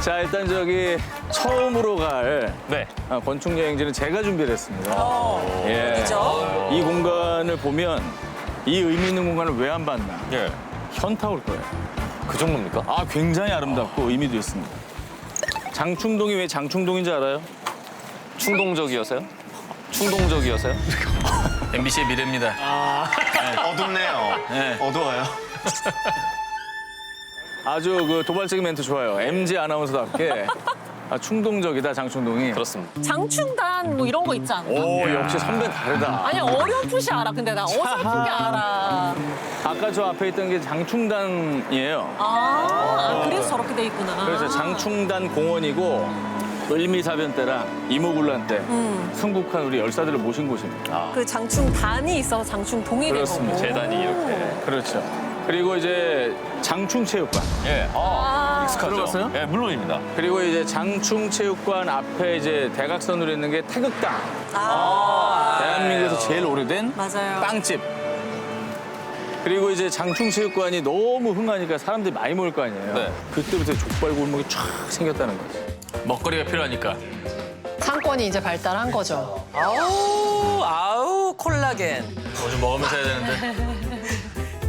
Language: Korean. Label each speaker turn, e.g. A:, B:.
A: 자, 일단 저기 처음으로 갈
B: 네.
A: 건축 여행지는 제가 준비를 했습니다. 예.
C: 그죠?
A: 이 공간을 보면 이 의미 있는 공간을 왜 안 봤나?
B: 예.
A: 현타 올 거예요.
B: 그 정도입니까?
A: 아, 굉장히 아름답고 의미도 있습니다. 장충동이 왜 장충동인지 알아요?
B: 충동적이어서요? 충동적이어서요?
D: MBC의 미래입니다.
E: 어둡네요.
A: 네.
E: 어두워요.
A: 아주 그 도발적인 멘트 좋아요. MG 아나운서답게 충동적이다, 장충동이.
B: 그렇습니다.
C: 장충단 뭐 이런 거 있지 않나?
A: 오, 역시 선배 다르다.
C: 아니 어렴풋이 알아. 근데 나 어설프게 알아.
A: 아까 저 앞에 있던 게 장충단이에요.
C: 그래서 저렇게 돼 있구나.
A: 그래서 장충단 공원이고 을미사변 때랑 이모군란 때 순국한 우리 열사들을 모신 곳입니다.
C: 그 장충단이 있어서 장충동이 된
A: 그렇습니다.
C: 거고.
B: 재단이 이렇게.
A: 그렇죠. 그리고 이제 장충체육관.
B: 예. 익숙하죠?
A: 들어갔어요?
B: 예, 물론입니다.
A: 그리고 이제 장충체육관 앞에 이제 대각선으로 있는 게 태극당. 대한민국에서 제일 오래된
C: 맞아요.
A: 빵집. 그리고 이제 장충체육관이 너무 흥하니까 사람들이 많이 모일 거 아니에요.
B: 네.
A: 그때부터 족발 골목이 쫙 생겼다는 거지.
D: 먹거리가 필요하니까.
F: 상권이 이제 발달한 거죠.
G: 아우 콜라겐.
D: 뭐 좀 먹으면서 해야 되는데.